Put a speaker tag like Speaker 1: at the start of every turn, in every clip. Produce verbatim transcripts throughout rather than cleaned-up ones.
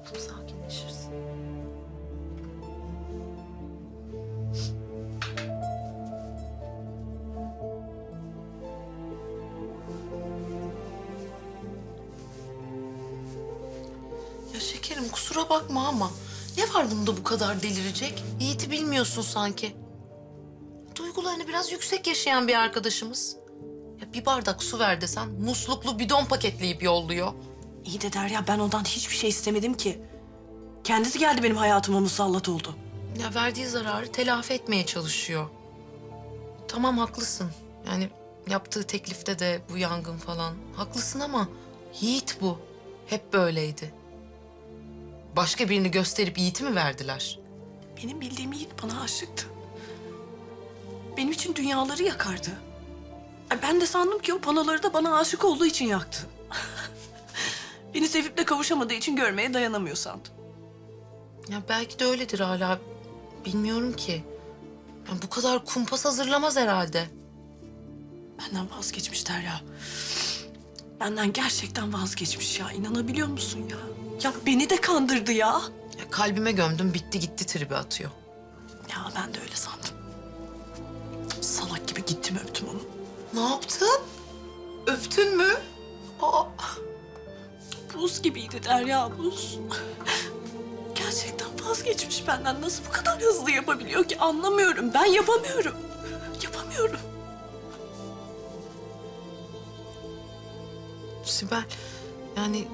Speaker 1: Sakinleşirsin. Ya şekerim kusura bakma ama ne var bunda bu kadar delirecek? Yiğit'i bilmiyorsun sanki. Duygularını biraz yüksek yaşayan bir arkadaşımız. Ya bir bardak su ver desen musluklu bidon paketleyip yolluyor.
Speaker 2: İyi de Derya, ben ondan hiçbir şey istemedim ki. Kendisi geldi benim hayatıma, musallat oldu.
Speaker 1: Ya verdiği zararı telafi etmeye çalışıyor. Tamam haklısın. Yani yaptığı teklifte de bu yangın falan. Haklısın ama Yiğit bu. Hep böyleydi. Başka birini gösterip Yiğit'i mi verdiler?
Speaker 2: Benim bildiğim Yiğit bana aşıktı. Benim için dünyaları yakardı. Ay, ben de sandım ki o panoları da bana aşık olduğu için yaktı. Beni sevip de kavuşamadığı için görmeye dayanamıyor sandım.
Speaker 1: Ya belki de öyledir hala. Bilmiyorum ki. Ya bu kadar kumpas hazırlamaz herhalde.
Speaker 2: Benden vazgeçmiş Derya. Benden gerçekten vazgeçmiş ya. İnanabiliyor musun ya? Ya beni de kandırdı ya.
Speaker 1: Ya kalbime gömdüm bitti gitti tribi atıyor.
Speaker 2: Ya ben de öyle sandım. Salak gibi gittim öptüm onu.
Speaker 1: Ne yaptın? Öptün mü? Aa.
Speaker 2: Buz gibiydi Derya, buz. Gerçekten vazgeçmiş benden. Nasıl bu kadar hızlı yapabiliyor ki anlamıyorum. Ben yapamıyorum. Yapamıyorum.
Speaker 1: Sibel, yani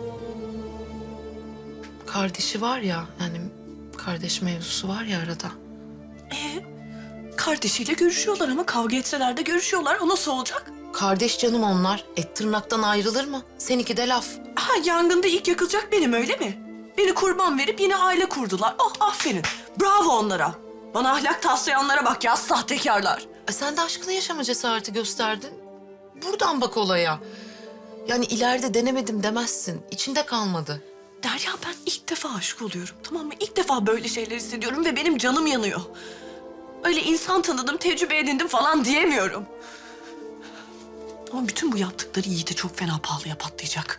Speaker 1: kardeşi var ya, yani kardeş mevzusu var ya arada.
Speaker 2: Ee, kardeşiyle görüşüyorlar ama kavga etseler de görüşüyorlar. O nasıl olacak?
Speaker 1: Kardeş canım onlar. Et tırnaktan ayrılır mı? Seninki de laf.
Speaker 2: Ha, yangında ilk yakılacak benim, öyle mi? Beni kurban verip yine aile kurdular. Oh, aferin. Bravo onlara. Bana ahlak taslayanlara bak ya, sahtekarlar.
Speaker 1: E sen de aşkını yaşama cesareti gösterdin. Buradan bak olaya. Yani ileride denemedim demezsin. İçinde kalmadı.
Speaker 2: Derya, ben ilk defa aşık oluyorum, tamam mı? İlk defa böyle şeyler hissediyorum ve benim canım yanıyor. Öyle insan tanıdım, tecrübe edindim falan diyemiyorum. Ama bütün bu yaptıkları Yiğit'e çok fena pahalıya patlayacak.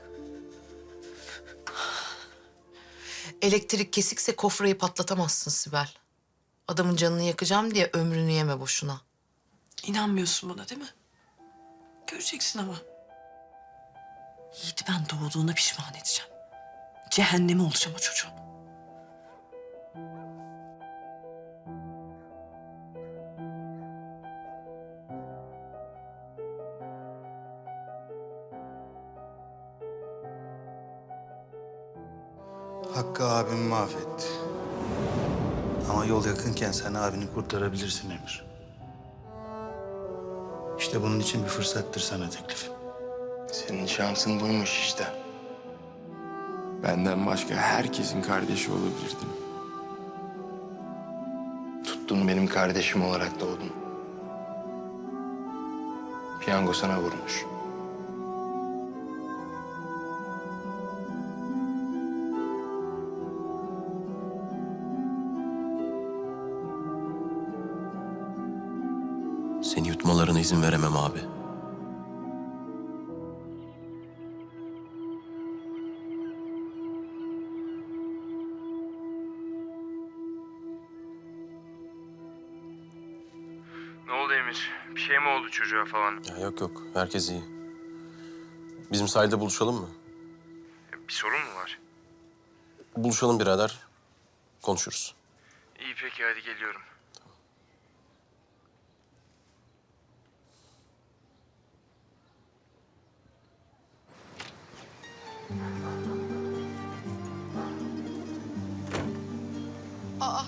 Speaker 1: Elektrik kesikse kofrayı patlatamazsın Sibel. Adamın canını yakacağım diye ömrünü yeme boşuna.
Speaker 2: İnanmıyorsun bana değil mi? Göreceksin ama. Yiğit'i ben doğduğuna pişman edeceğim. Cehennemi olacağım o çocuğun.
Speaker 3: Hakkı abimi mahvetti. Ama yol yakınken sen abini kurtarabilirsin Emir. İşte bunun için bir fırsattır sana teklifim.
Speaker 4: Senin şansın buymuş işte. Benden başka herkesin kardeşi olabilirdin. Tuttun benim kardeşim olarak doğdun. Piyango sana vurmuş.
Speaker 5: Seni yutmalarına izin veremem abi.
Speaker 6: Ne oldu Emir? Bir şey mi oldu çocuğa falan?
Speaker 5: Ya yok yok, herkes iyi. Bizim sahilde buluşalım mı?
Speaker 6: Bir sorun mu var?
Speaker 5: Buluşalım birader, konuşuruz.
Speaker 6: İyi peki hadi geliyorum.
Speaker 1: Aa.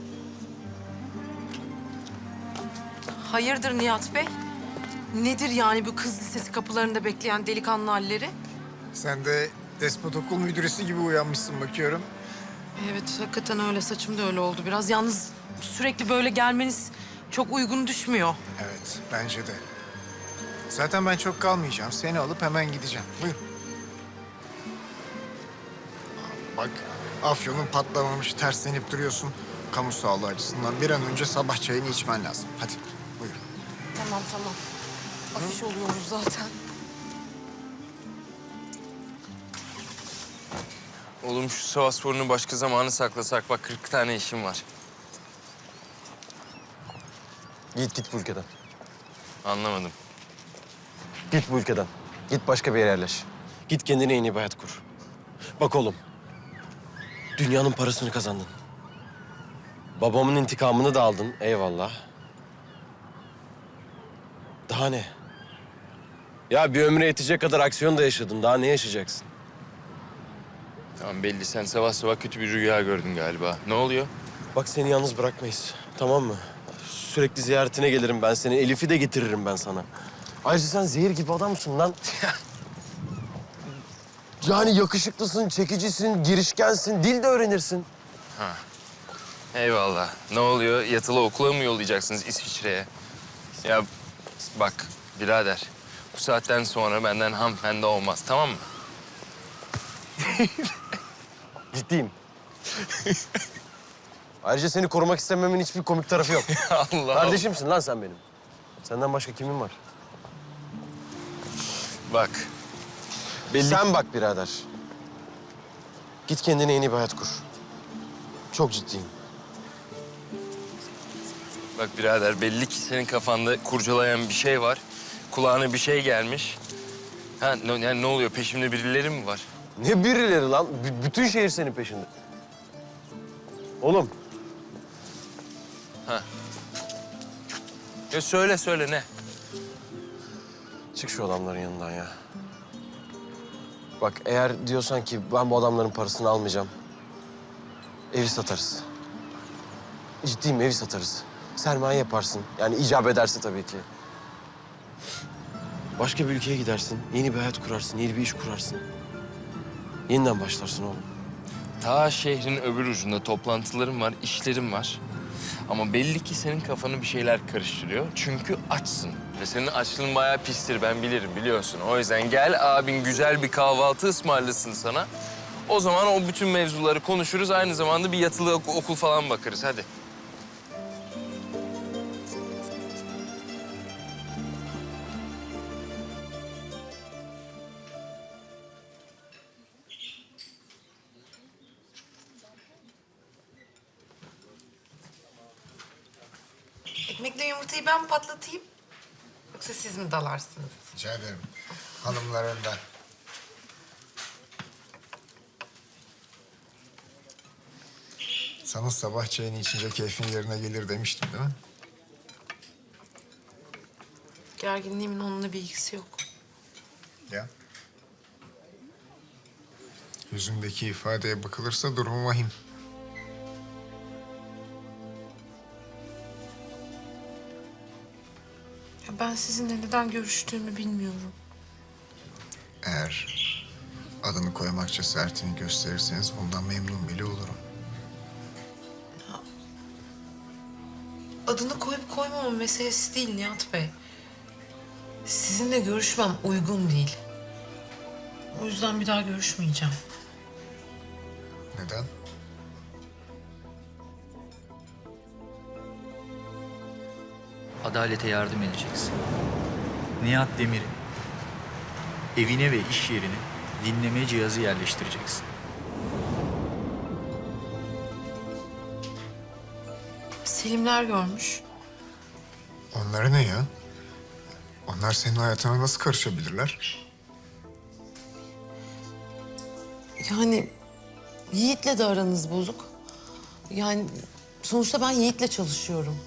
Speaker 1: Hayırdır Nihat Bey? Nedir yani bu kız lisesi kapılarında bekleyen delikanlı halleri?
Speaker 7: Sen de despot okul müdüresi gibi uyanmışsın bakıyorum.
Speaker 1: Evet, hakikaten öyle. Saçım da öyle oldu biraz. Yalnız sürekli böyle gelmeniz çok uygun düşmüyor.
Speaker 7: Evet, bence de. Zaten ben çok kalmayacağım. Seni alıp hemen gideceğim. Buyur. Bak, afyonun patlamamış, terslenip duruyorsun. Kamu sağlığı açısından bir an önce sabah çayını içmen lazım. Hadi, buyur.
Speaker 1: Tamam, tamam. Afiş oluyoruz zaten.
Speaker 6: Oğlum şu savaş sorunu başka zamanı saklasak. Bak kırk tane işim var.
Speaker 5: Git git bu ülkeden.
Speaker 6: Anlamadım.
Speaker 5: Git bu ülkeden. Git başka bir yere yerleş. Git kendine yeni bir hayat kur. Bak oğlum. Dünyanın parasını kazandın. Babamın intikamını da aldın. Eyvallah. Daha ne? Ya bir ömre yetecek kadar aksiyon da yaşadın. Daha ne yaşayacaksın?
Speaker 6: Tamam belli sen sabah sabah kötü bir rüya gördün galiba. Ne oluyor?
Speaker 5: Bak seni yalnız bırakmayız. Tamam mı? Sürekli ziyaretine gelirim ben seni. Elif'i de getiririm ben sana. Ayrıca sen zehir gibi adamsın lan. Yani yakışıklısın, çekicisin, girişkensin, dil de öğrenirsin.
Speaker 6: Eyvallah. Ne oluyor? Yatılı okula mı yollayacaksınız İsviçre'ye? Ya bak birader. Bu saatten sonra benden hanımefendi olmaz tamam mı?
Speaker 5: Ciddiyim. Ayrıca seni korumak istememin hiçbir komik tarafı yok.
Speaker 6: Allah
Speaker 5: Kardeşimsin lan sen benim. Senden başka kimin var?
Speaker 6: Bak.
Speaker 5: Sen bak birader. Git kendine yeni bir hayat kur. Çok ciddiyim.
Speaker 6: Bak birader belli ki senin kafanda kurcalayan bir şey var. Kulağına bir şey gelmiş. Ha ne, yani ne oluyor? Peşimde birileri mi var?
Speaker 5: Ne birileri lan? B- bütün şehir senin peşinde. Oğlum.
Speaker 6: Ya söyle söyle ne?
Speaker 5: Çık şu adamların yanından ya. Bak eğer diyorsan ki ben bu adamların parasını almayacağım. Evi satarız. Ciddiyim evi satarız. Sermaye yaparsın. Yani icap ederse tabii ki. Başka bir ülkeye gidersin. Yeni bir hayat kurarsın. Yeni bir iş kurarsın. Yeniden başlarsın oğlum.
Speaker 6: Ta şehrin öbür ucunda toplantılarım var, işlerim var. Ama belli ki senin kafanı bir şeyler karıştırıyor. Çünkü açsın. Ve senin açlığın bayağı pistir, ben bilirim biliyorsun. O yüzden gel abin güzel bir kahvaltı ısmarlasın sana. O zaman o bütün mevzuları konuşuruz. Aynı zamanda bir yatılı ok- okul falan bakarız. Hadi.
Speaker 1: Ekmekle yumurtayı ben mi patlatayım? Yoksa siz mi dalarsınız?
Speaker 7: Rica ederim. Hanımlar önden. Sana sabah çayını içince keyfin yerine gelir demiştim değil mi?
Speaker 1: Gerginliğimin onunla bir ilgisi yok.
Speaker 7: Ya. Yüzündeki ifadeye bakılırsa durum vahim.
Speaker 1: Ya ben sizinle neden görüştüğümü bilmiyorum.
Speaker 7: Eğer adını koymak cesaretini gösterirseniz bundan memnun bile olurum.
Speaker 1: Adını koyup koymama meselesi değil Nihat Bey. Sizinle görüşmem uygun değil. O yüzden bir daha görüşmeyeceğim.
Speaker 7: Neden?
Speaker 8: Adalete yardım edeceksin. Nihat Demir'in evine ve iş yerine dinleme cihazı yerleştireceksin.
Speaker 1: Selimler görmüş.
Speaker 7: Onlara ne ya? Onlar senin hayatına nasıl karışabilirler?
Speaker 1: Yani Yiğit'le de aranız bozuk. Yani sonuçta ben Yiğit'le çalışıyorum.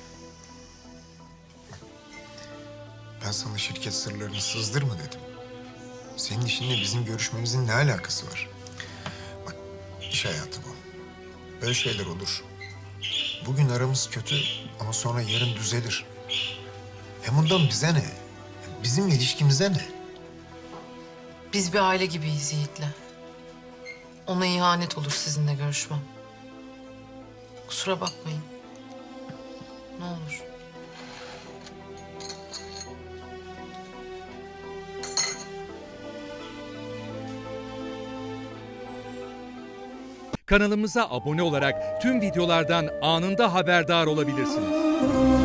Speaker 7: Ben sana şirket sırlarını sızdırma dedim. Senin işinle bizim görüşmemizin ne alakası var? Bak, iş hayatı bu. Böyle şeyler olur. Bugün aramız kötü ama sonra yarın düzelir. Hem bundan bize ne? Bizim ilişkimize ne?
Speaker 1: Biz bir aile gibiyiz Yiğit'le. Ona ihanet olur sizinle görüşmem. Kusura bakmayın. Ne olur.
Speaker 9: Kanalımıza abone olarak tüm videolardan anında haberdar olabilirsiniz.